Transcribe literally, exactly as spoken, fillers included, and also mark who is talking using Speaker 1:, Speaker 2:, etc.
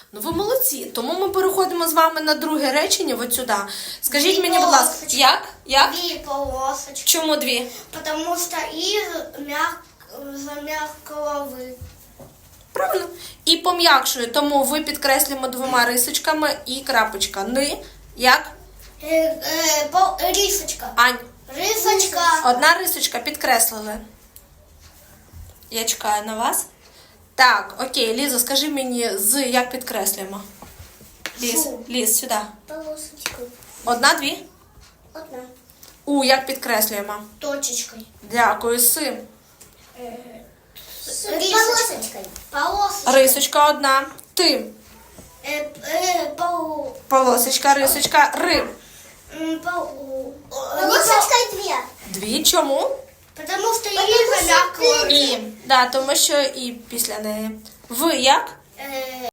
Speaker 1: Ну ви молодці. Тому ми переходимо з вами на друге речення, от сюди. Скажіть
Speaker 2: Дві
Speaker 1: мені, будь ласка,
Speaker 2: полосочки.
Speaker 1: як? Як?
Speaker 2: Две полосочки.
Speaker 1: Чому дві?
Speaker 2: Потому что из мяг... за мягкого вы.
Speaker 1: Правильно. І пом'якшує, тому ви підкреслюємо двома рисочками і крапочка. Ни, як?
Speaker 2: Э, э, пол... Рисочка.
Speaker 1: Ань.
Speaker 2: Рисочка.
Speaker 1: Одна рисочка підкреслили. Я чекаю на вас. Так, окей, Ліза, скажи мені, з як підкреслюємо? Ліз,
Speaker 2: Фу.
Speaker 1: Ліз, сюди.
Speaker 2: Полосочкой.
Speaker 1: Одна, дві?
Speaker 2: Одна.
Speaker 1: У, як підкреслюємо?
Speaker 2: Точечкой.
Speaker 1: Дякую, си.
Speaker 2: Полосочкой. Полосочкой.
Speaker 1: Рисочка одна. Ти.
Speaker 2: Э, э, пол...
Speaker 1: Полосочка, рисочка, ри.
Speaker 2: м, пол... Полосочкой две.
Speaker 1: Дві, чому?
Speaker 2: Потому что из мягкого.
Speaker 1: І. Да, тому що і після неї. Ви як?
Speaker 2: Э,